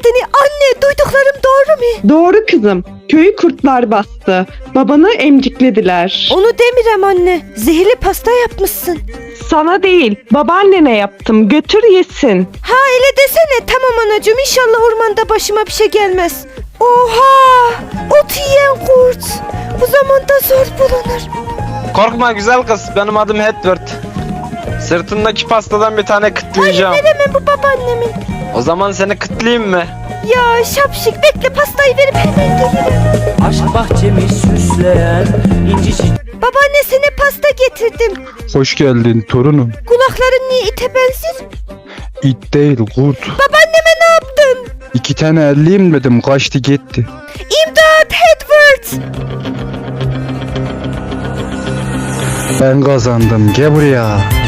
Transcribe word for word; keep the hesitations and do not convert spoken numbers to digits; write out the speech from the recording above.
seni. Anne, duyduklarım doğru mu? Doğru kızım. Köyü kurtlar bastı. Babanı emciklediler. Onu demirem anne. Zehirli pasta yapmışsın. Sana değil, babaannene yaptım. Götür yesin. Ha öyle desene. Tamam anacığım, inşallah ormanda başıma bir şey gelmez. Oha! Ot yiyen kurt. Bu zamanda zor bulunur. Korkma güzel kız, benim adım Edward. Sırtındaki pastadan bir tane kıtlayacağım. Hayır, veremem, bu babaannemin. O zaman seni kıtlayayım mı? Ya şapşik, bekle, pastayı verip hemen gelirim. Aşk bahçemi süsleyen inci çiçek. Babaanne, sana pasta getirdim. Hoş geldin torunum. Kulakların niye ite benzer? İt değil kurt. Babaanneme ne yaptın? İki tane elliyim dedim kaçtı gitti. İmdat Edward! Ben kazandım gel buraya.